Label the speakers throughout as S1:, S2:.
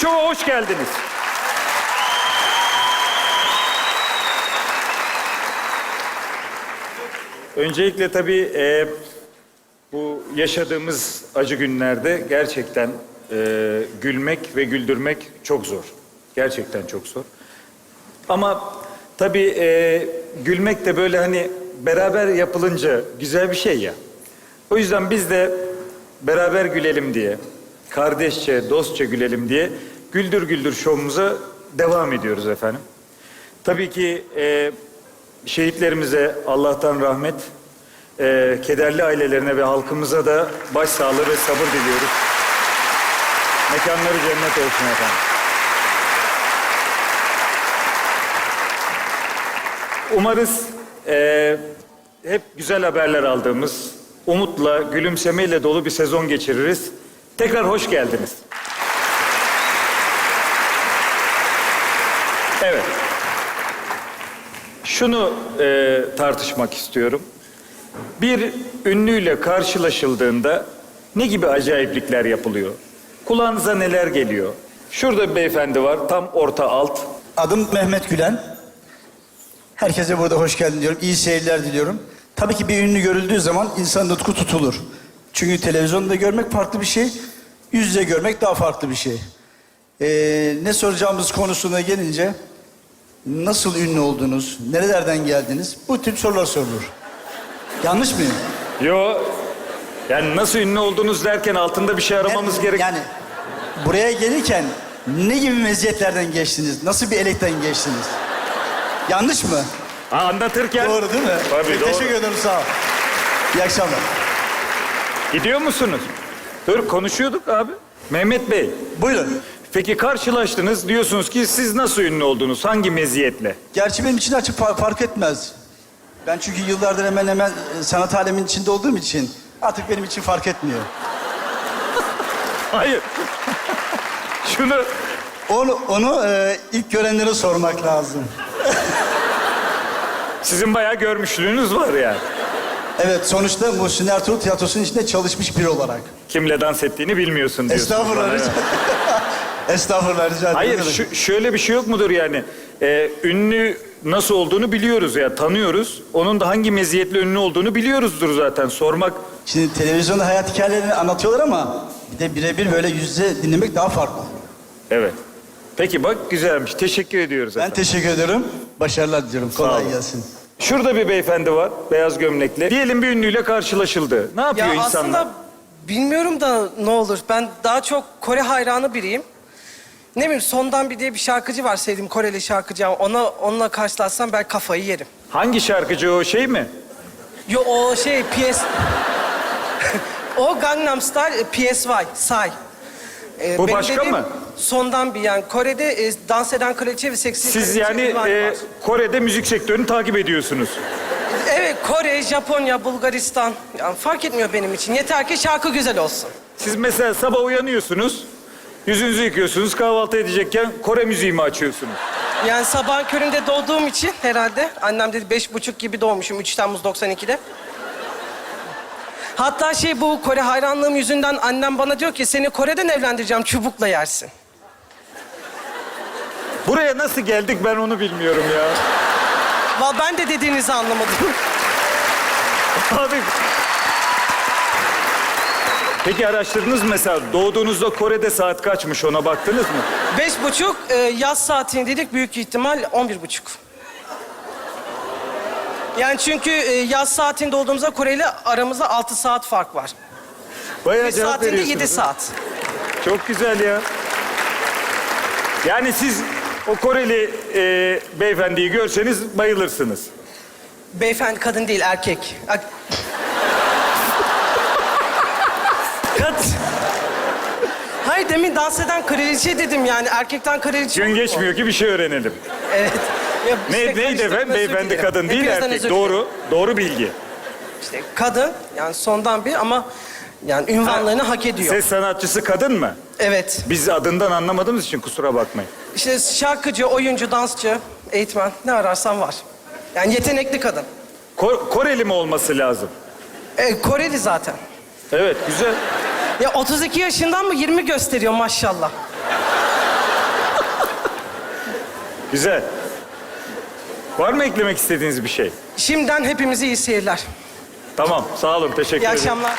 S1: Show'a hoş geldiniz. Öncelikle tabii bu yaşadığımız acı günlerde gerçekten gülmek ve güldürmek çok zor. Gerçekten çok zor. Ama tabii gülmek de böyle hani beraber yapılınca güzel bir şey ya. O yüzden biz de beraber gülelim diye, kardeşçe, dostça gülelim diye Güldür Güldür şovumuza devam ediyoruz efendim. Tabii ki şehitlerimize Allah'tan rahmet, kederli ailelerine ve halkımıza da başsağlığı ve sabır diliyoruz. Mekanları cennet olsun efendim. Umarız hep güzel haberler aldığımız, umutla, gülümsemeyle dolu bir sezon geçiririz. Tekrar hoş geldiniz. Evet. Şunu tartışmak istiyorum. Bir ünlüyle karşılaşıldığında ne gibi acayiplikler yapılıyor? Kulağınıza neler geliyor? Şurada bir beyefendi var, tam orta alt.
S2: Adım Mehmet Gülen. Herkese burada hoş geldin diyorum. İyi seyirler diliyorum. Tabii ki bir ünlü görüldüğü zaman insan nutku tutulur. Çünkü televizyonda görmek farklı bir şey, yüz yüze görmek daha farklı bir şey. Ne soracağımız konusuna gelince, nasıl ünlü oldunuz, nerelerden geldiniz? Bu tip sorular sorulur. Yanlış mıyım?
S1: Yo, yani nasıl ünlü oldunuz derken altında bir şey aramamız gerek.
S2: Yani buraya gelirken ne gibi meziyetlerden geçtiniz? Nasıl bir elekten geçtiniz? Yanlış mı?
S1: Ha, anlatırken.
S2: Doğru değil mi?
S1: Tabii doğru.
S2: Teşekkür ederim, sağ ol. İyi akşamlar.
S1: Gidiyor musunuz? Dur, konuşuyorduk abi. Mehmet Bey,
S2: Buyurun.
S1: peki karşılaştınız, diyorsunuz ki siz nasıl ünlü oldunuz, hangi meziyetle?
S2: Gerçi benim için açık fark etmez. Ben çünkü yıllardır hemen hemen sanat aleminin içinde olduğum için artık benim için fark etmiyor.
S1: Hayır. Şunu...
S2: Onu ilk görenlere sormak lazım.
S1: Sizin bayağı görmüşlüğünüz var yani.
S2: Evet, sonuçta Muhsin Ertuğrul Tiyatrosu'nun içinde çalışmış biri olarak.
S1: Kimle dans ettiğini bilmiyorsun diyorsunuz.
S2: Estağfurullah,
S1: bana,
S2: rica
S1: evet.
S2: Estağfurullah, rica ederim.
S1: Hayır, şöyle bir şey yok mudur yani? Ünlü nasıl olduğunu biliyoruz ya, tanıyoruz. Onun da hangi meziyetle ünlü olduğunu biliyoruzdur zaten. Sormak...
S2: Şimdi televizyonda hayat hikayelerini anlatıyorlar ama bir de birebir böyle yüz yüze dinlemek daha farklı.
S1: Evet. Peki bak, güzelmiş. Teşekkür ediyoruz
S2: Ben
S1: efendim.
S2: teşekkür ederim. Başarılar diliyorum. Kolay
S1: olun.
S2: gelsin.
S1: Şurada bir beyefendi var, beyaz gömlekli. Diyelim bir ünlüyle karşılaşıldı. Ne yapıyor
S3: Ya
S1: insanlar?
S3: aslında bilmiyorum da ne olur. Ben daha çok Kore hayranı biriyim. Ne bileyim, Sondan Bir diye bir şarkıcı var, sevdiğim Koreli şarkıcı. Onunla karşılaşsam ben kafayı yerim.
S1: Hangi şarkıcı o, şey mi?
S3: Yo, o şey PS... O Gangnam Style, PSY, Psy.
S1: Bu
S3: Benim
S1: başka
S3: dediğim
S1: mı?
S3: Sondan Bir, yani Kore'de dans eden kraliçe ve seksi
S1: Siz
S3: kraliçe
S1: yani
S3: ünvanı var.
S1: Kore'de müzik sektörünü takip ediyorsunuz.
S3: Evet, Kore, Japonya, Bulgaristan. Yani fark etmiyor benim için. Yeter ki şarkı güzel olsun.
S1: Siz mesela sabah uyanıyorsunuz, yüzünüzü yıkıyorsunuz, kahvaltı edecekken Kore müziği mi açıyorsunuz?
S3: Yani sabahın köründe doğduğum için herhalde. Annem dedi 5.30 gibi doğmuşum, 3 Temmuz 92'de. Hatta bu Kore hayranlığım yüzünden annem bana diyor ki seni Kore'den evlendireceğim, çubukla yersin.
S1: Buraya nasıl geldik ben onu bilmiyorum ya.
S3: Vallahi ben de dediğinizi anlamadım.
S1: Abi. Peki araştırdınız mı mesela, doğduğunuzda Kore'de saat kaçmış, ona baktınız mı?
S3: 5.30 yaz saatini dedik, büyük ihtimal 11.30. Yani çünkü yaz saatinde olduğumuzda Kore ile aramızda 6 saat fark var.
S1: Bayağı
S3: Bir
S1: cevap
S3: saatinde
S1: veriyorsunuz.
S3: 7 saat.
S1: Çok güzel ya. Yani siz o Koreli beyefendiyi görseniz bayılırsınız.
S3: Beyefendi kadın değil, erkek. Hayır, demin dans eden kraliçe dedim, yani erkekten kraliçe
S1: Gün
S3: olur mu?
S1: geçmiyor ki bir şey öğrenelim.
S3: Evet. Ya işte
S1: Neydi
S3: karıştırdım,
S1: efendim?
S3: özür
S1: Beyefendi
S3: dilerim.
S1: kadın değil,
S3: Hepinizden
S1: erkek.
S3: özür dilerim.
S1: Doğru, doğru bilgi.
S3: İşte kadın, yani Sondan Bir, ama yani ünvanlarını hak ediyor.
S1: Ses sanatçısı kadın mı?
S3: Evet.
S1: Biz adından anlamadığımız için kusura bakmayın.
S3: İşte şarkıcı, oyuncu, dansçı, eğitmen, ne ararsan var. Yani yetenekli kadın.
S1: Koreli mi olması lazım?
S3: Koreli zaten.
S1: Evet, güzel.
S3: Ya 32 yaşından mı 20 gösteriyor maşallah.
S1: Güzel. Var mı eklemek istediğiniz bir şey?
S3: Şimdiden hepimize iyi seyirler.
S1: Tamam, sağ olun, teşekkür
S3: İyi
S1: ederim.
S3: akşamlar.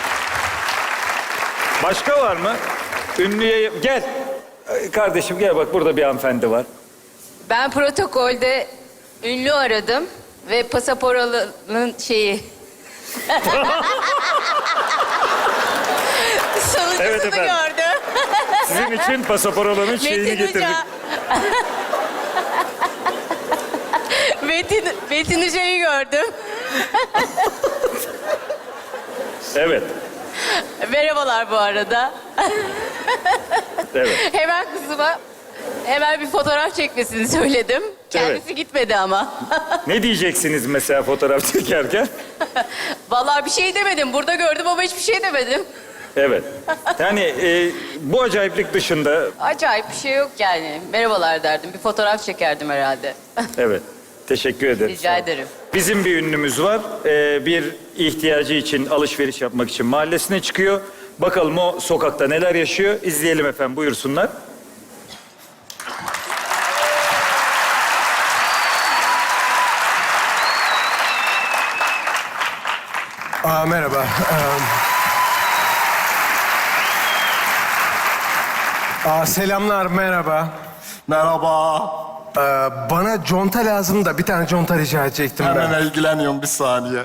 S1: Başka var mı? Ünlüye... Gel. Kardeşim gel bak, burada bir hanımefendi var.
S4: Ben protokolde ünlü aradım ve pasaporalının şeyi... Sonuncusunu
S1: Evet efendim.
S4: gördüm.
S1: Sizin için pasaporalının şeyini
S4: Metin
S1: getirdik.
S4: Hoca. Metin Hoca'yı gördüm.
S1: Evet,
S4: Merhabalar bu arada.
S1: evet.
S4: Hemen bir fotoğraf çekmesini söyledim. Kendisi gitmedi ama.
S1: Ne diyeceksiniz mesela fotoğraf çekerken?
S4: Vallahi bir şey demedim. Burada gördüm ama hiçbir şey demedim.
S1: Evet. Yani bu acayiplik dışında...
S4: Acayip bir şey yok yani. Merhabalar derdim. Bir fotoğraf çekerdim herhalde.
S1: Evet, teşekkür ederim.
S4: Rica ederim.
S1: Bizim bir ünlümüz var. Bir ihtiyacı için, alışveriş yapmak için mahallesine çıkıyor. Bakalım o sokakta neler yaşıyor. İzleyelim efendim, buyursunlar.
S5: Merhaba. Selamlar, merhaba.
S6: Merhaba.
S5: Bana conta lazım da bir tane conta rica edecektim ben.
S6: Hemen ilgileniyorum bir saniye.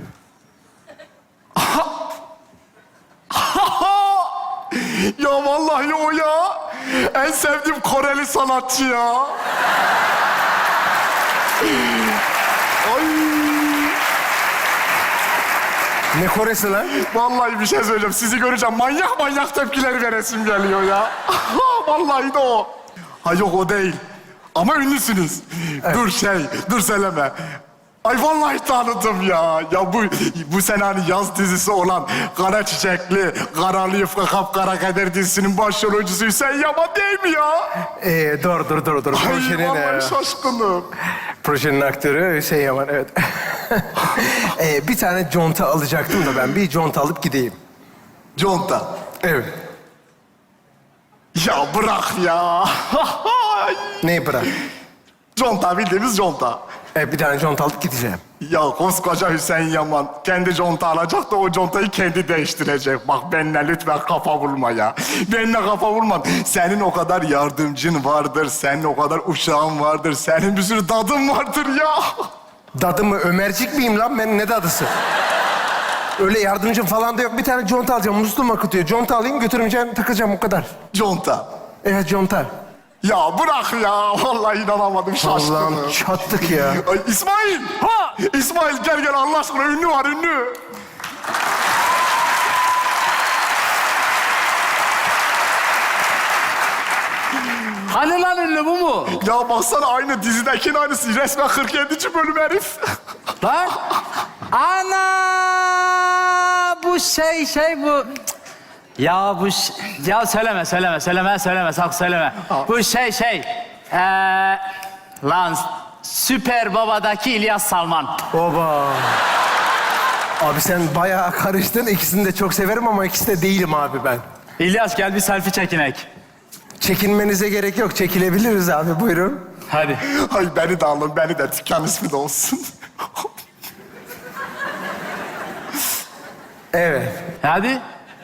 S6: Ya vallahi o ya. En sevdiğim Koreli sanatçı ya. Ay.
S5: Ne Koresi lan?
S6: Vallahi bir şey söyleyeceğim. Sizi göreceğim. Manyak manyak tepkiler veresim geliyor ya. Vallahi de o. Ha yok o değil. Ama ünlüsünüz. Dur söyleme. Ay vallahi tanıdım ya. Ya bu sene hani yaz dizisi olan Kara Çiçekli, Karalı Yufka Kapkara Kader dizisinin başrol oyuncusu Hüseyin Yaman değil mi ya?
S5: Dur.
S6: Ay vallahi şaşkınım.
S5: Projenin aktörü Hüseyin Yaman, evet. Bir tane conta alacaktım da ben. Bir conta alıp gideyim.
S6: Conta.
S5: Evet.
S6: Ya bırak ya.
S5: Neyi bırak?
S6: Conta bildiğimiz conta.
S5: Bir tane conta alıp gideceğim.
S6: Ya koskoca Hüseyin Yaman kendi conta alacak da o contayı kendi değiştirecek. Bak benimle lütfen kafa vurma ya. Benimle kafa vurma. Senin o kadar yardımcın vardır, senin o kadar uşağın vardır, senin bir sürü dadın vardır ya.
S5: Dadı mı? Ömercik miyim lan ben? Ne dadısı? Öyle yardımcım falan da yok. Bir tane conta alacağım. Musluğum akıtıyor. Conta alayım, götüreceğim, takacağım o kadar.
S6: Conta.
S5: Evet, conta.
S6: Ya bırak ya. Vallahi inanamadım, şaşkınım.
S5: Allah'ım çattık ya.
S6: Ay, İsmail. Ha! İsmail gel Allah aşkına, ünlü var ünlü.
S7: Hani lan ünlü bu mu?
S6: Ya baksana aynı dizidekinin aynısı. Resmen 47. bölüm herif.
S7: Lan? Ana! Bu şey bu. Ya bu ya söyleme sakın söyleme. Bu şey. Lan Süper Baba'daki İlyas Salman.
S5: Oba. Abi sen bayağı karıştın. İkisini de çok severim ama ikisi de değilim abi ben.
S7: İlyas gel bir selfie çekinek.
S5: Çekinmenize gerek yok. Çekilebiliriz abi, buyurun.
S7: Hadi.
S6: Ay beni de alın, beni de dükkan ismi de olsun.
S5: Evet.
S7: Hadi.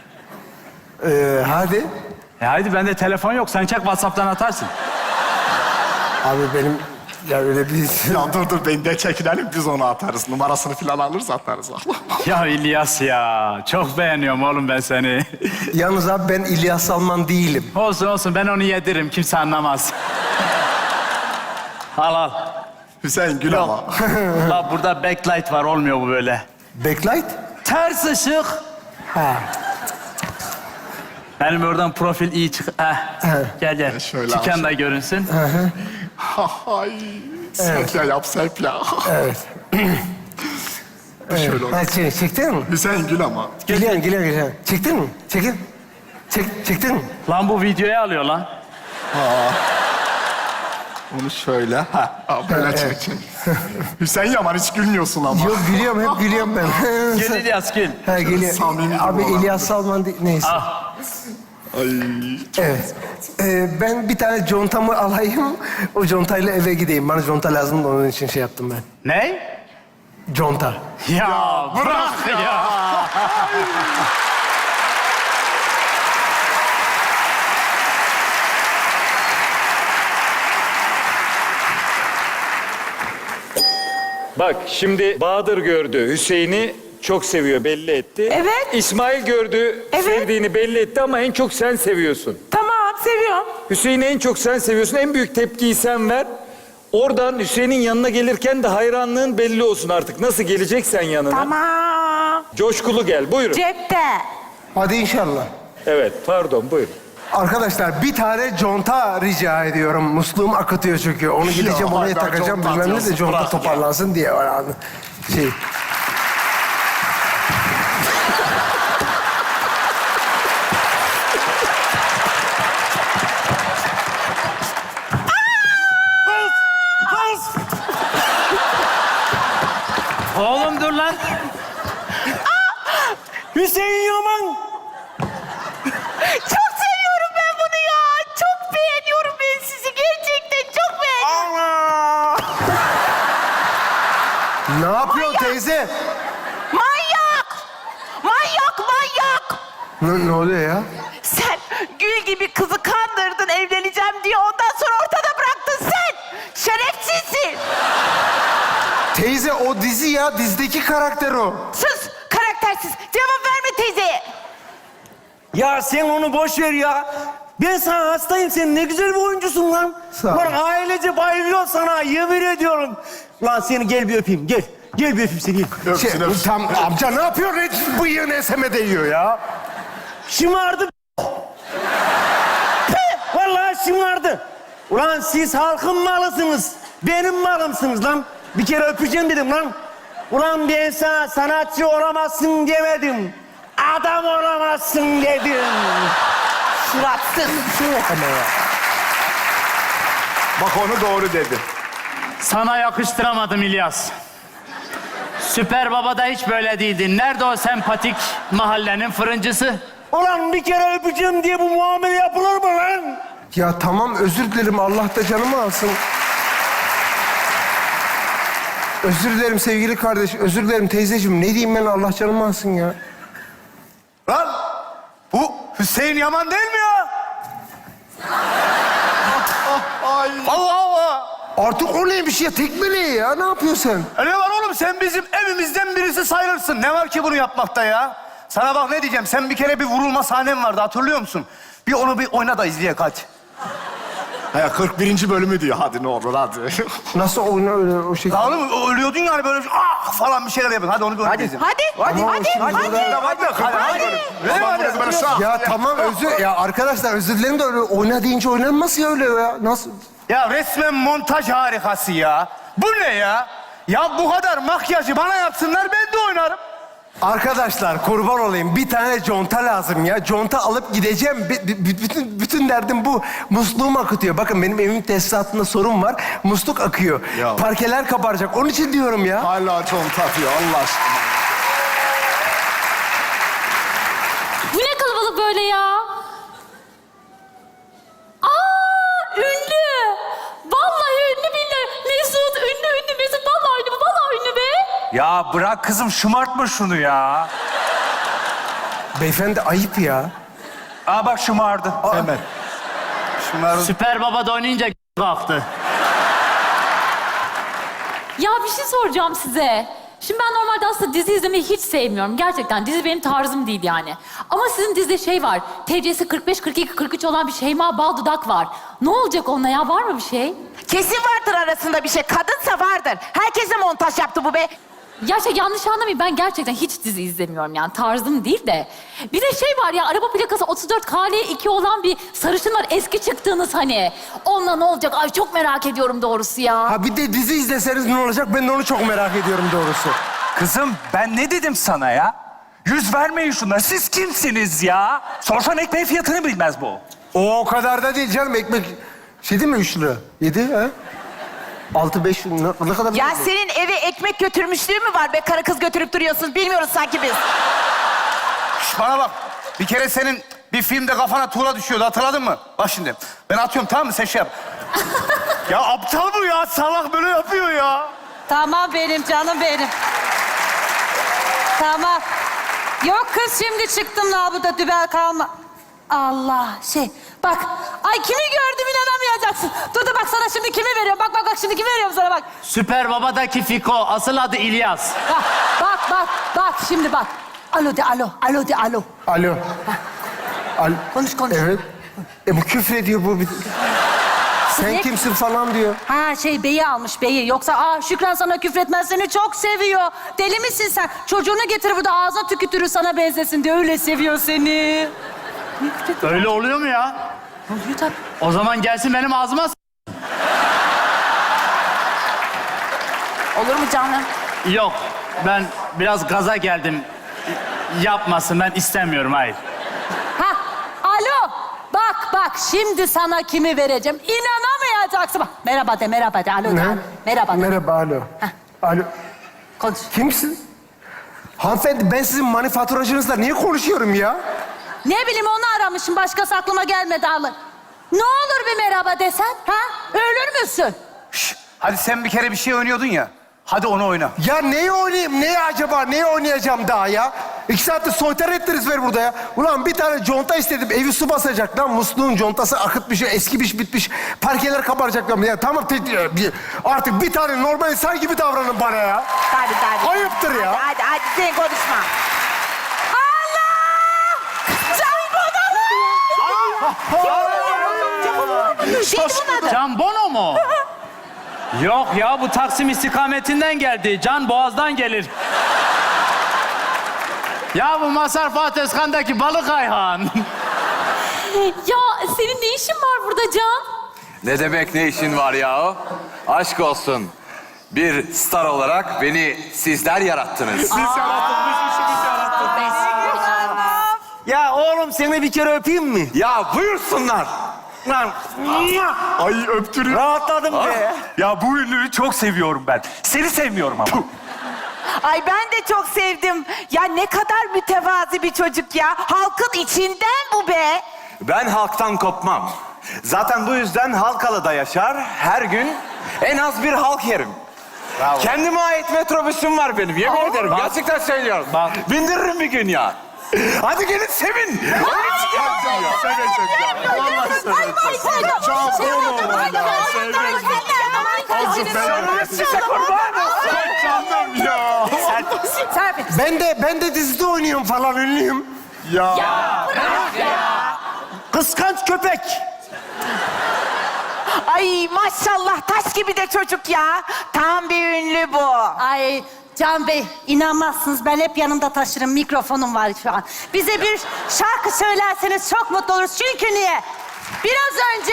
S5: Hadi.
S7: Hadi bende telefon yok. Sen çek WhatsApp'tan atarsın.
S5: Abi benim ya öyle bir...
S6: Ya dur beni de çekinelim, biz onu atarız. Numarasını falan alırız, atarız.
S7: Ya İlyas ya. Çok beğeniyorum oğlum ben seni.
S5: Yalnız abi ben İlyas Salman değilim.
S7: Olsun ben onu yediririm. Kimse anlamaz. Al.
S6: Hüseyin gül ama.
S7: Bak burada backlight var. Olmuyor bu böyle.
S5: Backlight?
S7: Ters ışık.
S5: Ha.
S7: Benim oradan profil iyi çık. Gel.
S6: Şöyle
S7: Çıkan
S6: aşağı.
S7: da görünsün.
S6: Ay, sepya yap sepya.
S5: Evet.
S6: Şöyle olsun.
S5: Ha, çektin mi?
S6: Hüseyin gül ama.
S5: Geliyorum. Çektin mi? Çektin mi?
S7: Lan bu videoyu alıyor lan.
S6: Onu şöyle. Böyle çek. Hüseyin Yaman hiç gülmüyorsun ama.
S5: Yok gülüyorum, hep gülüyorum ben.
S7: Gel İlyas gel.
S5: Ha geliyor.
S6: Samimi
S5: Abi
S6: olan.
S5: İlyas Salman değil, neyse.
S7: Ah.
S5: Evet. Ben bir tane contamı alayım. O contayla eve gideyim. Bana conta lazım da onun için şey yaptım ben.
S7: Ne?
S5: Conta.
S7: Ya bırak ya.
S1: Bak şimdi Bahadır gördü. Hüseyin'i çok seviyor, belli etti.
S8: Evet.
S1: İsmail gördü,
S8: Evet.
S1: sevdiğini belli etti ama en çok sen seviyorsun.
S8: Tamam, seviyorum.
S1: Hüseyin'i en çok sen seviyorsun. En büyük tepkiyi sen ver. Oradan Hüseyin'in yanına gelirken de hayranlığın belli olsun artık. Nasıl geleceksen yanına.
S8: Tamam.
S1: Coşkulu gel, buyurun.
S8: Cepte.
S5: Hadi inşallah.
S1: Evet, pardon, buyurun.
S5: Arkadaşlar bir tane conta rica ediyorum. Musluğum akıtıyor çünkü. Onu gideceğim oraya
S6: hala
S5: takacağım.
S6: conta
S5: Bilmem ne de
S6: atıyorsun,
S5: conta
S6: bırak ya.
S5: toparlansın diye. Yani şey.
S7: Oğlum dur lan.
S2: Hüseyin Yaman.
S8: Çok seviyorum ben bunu ya. Çok beğeniyorum ben sizi. Gerçekten çok beğeniyorum.
S5: Ne yapıyor teyze?
S8: Manyak! Manyak, manyak!
S5: Ne oluyor ya?
S8: Sen gül gibi kızı kandırdın, evleneceğim diye. Ondan sonra ortada bıraktın sen. Şerefsizsin.
S5: Teyze o dizi ya. Dizdeki karakter o.
S8: Sus, karaktersiz. Cevap verme teyzeye.
S2: Ya sen onu boş ver ya. Ben sana hastayım. Sen ne güzel bir oyuncusun lan.
S5: Sağ ol.
S2: Lan ailece bayılıyor sana. Yemin ediyorum. Lan seni gel bir öpeyim. Gel. Gel bir öpeyim seni. Gel.
S5: Şey, tam amca ne yapıyor? Hiç bıyığını eseme değiyor ya.
S2: Şımardı. Vallahi şımardı. Ulan siz halkın malısınız. Benim malımsınız lan. Bir kere öpeceğim dedim lan. Ulan ben sana sanatçı olamazsın demedim. Adam olamazsın dedim.
S8: Suratsız.
S6: Bak onu doğru dedi.
S7: Sana yakıştıramadım İlyas. Süper Baba'da hiç böyle değildin. Nerede o sempatik mahallenin fırıncısı?
S2: Ulan bir kere öpeceğim diye bu muamele yapılır mı lan?
S5: Ya tamam özür dilerim. Allah da canımı alsın. Özür dilerim sevgili kardeş. Özür dilerim teyzeciğim. Ne diyeyim ben Allah canımı alsın ya.
S6: Lan bu Hüseyin Yaman değil mi ya? Allah Allah.
S5: Artık o neymiş ya? Tekmeleyi ya. Ne yapıyorsun sen?
S6: Ne var oğlum, sen bizim evimizden birisi sayılırsın. Ne var ki bunu yapmakta ya? Sana bak ne diyeceğim. Sen bir kere bir vurulma sahnen vardı, hatırlıyor musun? Bir onu bir oyna da izleyek hadi.
S9: Ha 41. bölümü diyor. Hadi ne olur hadi.
S5: Nasıl oyna öyle o şekilde?
S6: Ya oğlum ölüyordun yani böyle ah falan bir şeyler yapın. Hadi onu bir oyna izleyelim.
S8: Hadi, hadi,
S5: Ama
S8: hadi,
S5: şimdi
S8: hadi.
S5: Ya tamam özür... Ya arkadaşlar özür dilerim de öyle oyna deyince oynanmaz ya öyle ya. Nasıl?
S6: Ya resmen montaj harikası ya. Bu ne ya? Ya bu kadar makyajı bana yapsınlar, ben de oynarım.
S5: Arkadaşlar kurban olayım. Bir tane conta lazım ya. Conta alıp gideceğim. Bütün derdim bu. Musluğum akıtıyor. Bakın benim evimin tesisatında sorun var. Musluk akıyor.
S9: Ya.
S5: Parkeler kabaracak. Onun için diyorum ya.
S9: Hala conta atıyor Allah aşkına.
S4: Bu ne kalabalık böyle ya? Aa, ünlü. Vallahi ünlü billahi. Mesut, ünlü Mesut. Vallahi ünlü, vallahi ünlü be.
S10: Ya bırak kızım, şımartma şunu ya.
S5: Beyefendi ayıp ya.
S10: Aa bak şımardı. Hemen.
S7: Süper Baba'da oynayınca kalktı.
S4: Ya bir şey soracağım size. Şimdi ben normalde aslında dizi izlemeyi hiç sevmiyorum. Gerçekten dizi benim tarzım değil yani. Ama sizin dizide şey var. TC'si 45, 42, 43 olan bir Şeyma Baldudak var. Ne olacak onunla ya? Var mı bir şey?
S8: Kesin vardır arasında bir şey. Kadınsa vardır. Herkese montaj yaptı bu be.
S4: Ya şey yanlış anlamayın, ben gerçekten hiç dizi izlemiyorum yani, tarzım değil de. Bir de şey var ya, araba plakası 34 KL2 olan bir sarışın var, eski çıktığınız hani. Onunla ne olacak? Ay çok merak ediyorum doğrusu ya.
S5: Ha bir de dizi izleseniz ne olacak? Ben de onu çok merak ediyorum doğrusu.
S10: Kızım ben ne dedim sana ya? Yüz vermeyin şuna. Siz kimsiniz ya? Sorsan ekmeğin fiyatını bilmez bu.
S5: O kadar da değil canım. Ekmek şey değil mi 3 lira? 7 ha? 6, 5 ne kadar?
S8: Ya senin eve ekmek götürmüşlüğün mü var be? Karı kız götürüp duruyorsun. Bilmiyoruz sanki biz.
S6: Şş, bana bak. Bir kere senin
S10: Bir filmde kafana tuğla düşüyordu, hatırladın mı? Bak şimdi, ben atıyorum, tamam mı? Sen şey yap. Ya aptal bu ya, salak böyle yapıyor ya.
S11: Tamam benim canım benim. Tamam. Yok kız şimdi çıktım labuda dübel kalma. Allah bak. Ay kimi gördüm inanamayacaksın. Dur bak sana şimdi kimi veriyorum. Bak şimdi kimi veriyorum sana bak.
S7: Süper Baba'daki Fiko, asıl adı İlyas.
S11: Bak şimdi bak. Alo de alo. Alo de alo.
S5: Alo.
S11: Konuş.
S5: Evet. Bu küfür ediyor bu. Sen
S11: Ne?
S5: kimsin falan diyor.
S11: Ha beyi almış beyi. Yoksa Şükran sana küfretmez seni çok seviyor. Deli misin sen? Çocuğunu getir burada ağza tükürür sana benzesin diye öyle seviyor seni.
S7: Öyle oluyor mu ya?
S11: Oluyor tabii.
S7: O zaman gelsin benim ağzıma
S11: Olur mu canım?
S7: Yok, ben biraz gaza geldim. Yapmasın, ben istemiyorum, hayır.
S11: Alo. Bak şimdi sana kimi vereceğim. İnanamayacaksın. Bak merhaba de. Alo de. Merhaba de.
S5: Merhaba, alo. Alo.
S11: Konuş.
S5: Kimsin? Hanımefendi, ben sizin manifaturacınızla niye konuşuyorum ya?
S11: Ne bileyim onu aramışım. Başkası aklıma gelmedi alır. Ne olur bir merhaba desen. Ölür müsün?
S10: Şş, hadi sen bir kere bir şey oynuyordun ya. Hadi onu oyna.
S5: Ya neyi oynayayım? Neyi acaba? Neyi oynayacağım daha ya? 2 saattir soytar ettiniz ver burada ya. Ulan bir tane conta istedim. Evi su basacak lan. Musluğun contası akıtmış, eskimiş, bitmiş. Parkeler kabaracak lan. Ya tamam, artık bir tane normal insan gibi davranın bana ya.
S8: Hadi.
S5: Ayıptır ya.
S8: Hadi sen konuşma.
S7: Can Bono mu? Yok ya, bu Taksim istikametinden geldi. Can Boğaz'dan gelir. Ya bu Mazhar Fuat Özkan'daki Balık Ayhan.
S4: Ya senin ne işin var burada Can?
S12: Ne demek ne işin var ya? Aşk olsun. Bir star olarak beni sizler yarattınız.
S6: Siz yarattınız, işimiz yarattınız.
S5: Ya oğlum seni bir kere öpeyim mi?
S12: Ya buyursunlar.
S6: Ay öptürün.
S10: Rahatladım be. Ya bu ünlüyü çok seviyorum ben. Seni sevmiyorum ama.
S8: Ay ben de çok sevdim. Ya ne kadar mütevazi bir çocuk ya. Halkın içinden bu be.
S12: Ben halktan kopmam. Zaten bu yüzden Halkalı'da yaşar. Her gün en az bir halk yerim.
S10: Bravo.
S12: Kendime ait metrobüsüm var benim. Yemin ederim. Gerçekten söylüyorum. Bindiririm bir gün ya. Hadi gelin sevin.
S6: Sevecek ya. Vallahi sevecek. Çok doğru valla. Sevecek. Size kurban olsun. Canım ya.
S5: Ben de dizide oynuyorum falan, ünlüyüm.
S6: Ya.
S5: Kıskanç köpek.
S8: Ay maşallah taş gibi de çocuk ya. Tam bir ünlü bu.
S11: Ay Can Bey inanmazsınız ben hep yanımda taşırım. Mikrofonum var şu an. Bize bir şarkı söylerseniz çok mutlu oluruz. Çünkü niye? Biraz önce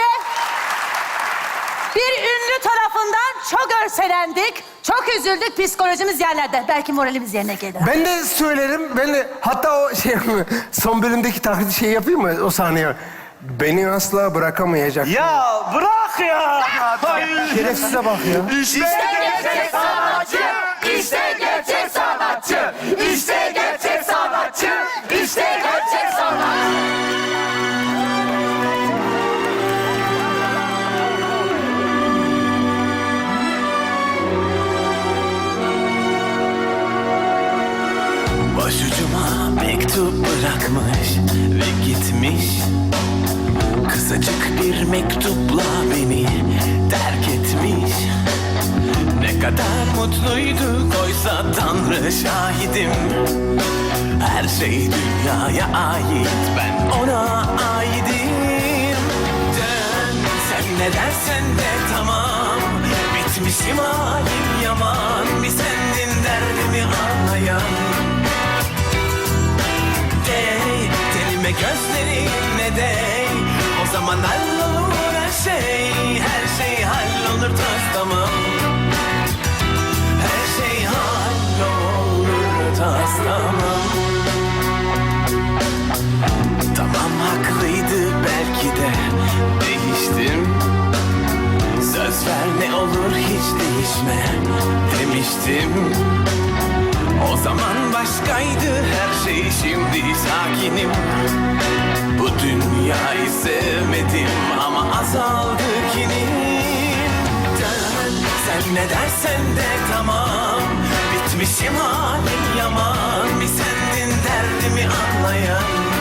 S11: bir ünlü tarafından çok örselendik. Çok üzüldük. Psikolojimiz yerlerde. Belki moralimiz yerine gelir.
S5: Ben de söylerim. Hatta o son bölümdeki taklidi yapayım mı o sahneye? Beni asla bırakamayacak.
S10: Ya bırak ya.
S5: Şerefsize bak ya.
S6: İşte gerçek sanatçı.
S12: İşte gerçek sanatçı. İşte gerçek sanatçı. İşte gerçek sanatçı.
S13: Başucuma mektup bırakmış ve gitmiş. Kısacık bir mektupla beni terk etmiş. Ne kadar mutluyduk oysa Tanrı şahidim. Her şey dünyaya ait, ben ona aidim. Dön sen ne dersen de tamam. Bitmişim halim yaman. Bir sendin derdimi anlayan. Tenime gözlerine değ. O zaman hallolur her şey hallolur toz tamam. Her şey hallolur toz tamam. Tamam haklıydı belki de değiştim. Söz ver ne olur hiç değişme demiştim. O zaman başkaydı her şey, şimdi sakinim. Bu dünyayı sevmedim ama azaldı kinim. Dön, sen ne dersen de tamam. Bitmişim halim yaman. Bir sendin derdimi anlayan.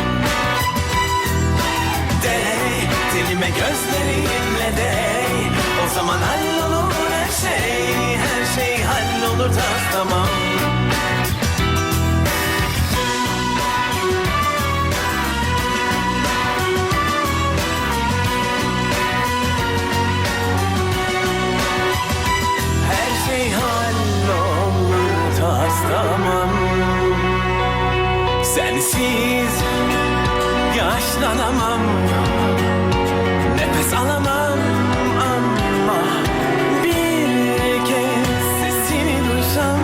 S13: Dey, dilime gözlerinle dey. O zaman hallolur her şey. Her şey hallolur tamam. Her şey hallolur tamam. Sensiz yaşlanamam. Nefes alamam ama bir kez sesini duysam.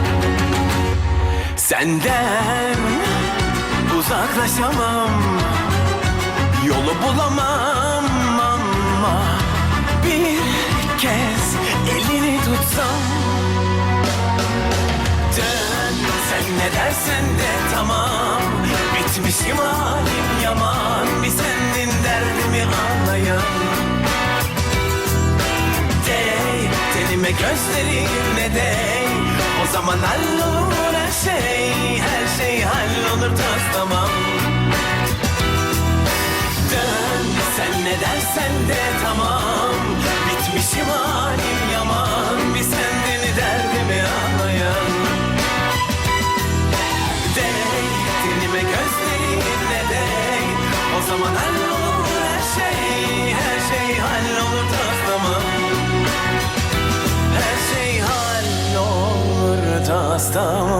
S13: Senden uzaklaşamam. Yolu bulamam ama bir kez elini tutsam. Dön, sen ne dersen de tamam. Bitmişim halim yaman. Bir sendin derdimi anlayan. Dey, tenime gözlerinle dey. O zaman hallolur her şey. Her şey hallolur tamam. Dön, sen ne dersen de tamam. Bitmişim halim yaman. Bir sendin derdimi anlayan. Dey, tenime gözlerinle dey. O zaman hallolur her şey. Her şey hallolur tamam. Her şey hallolur tamam.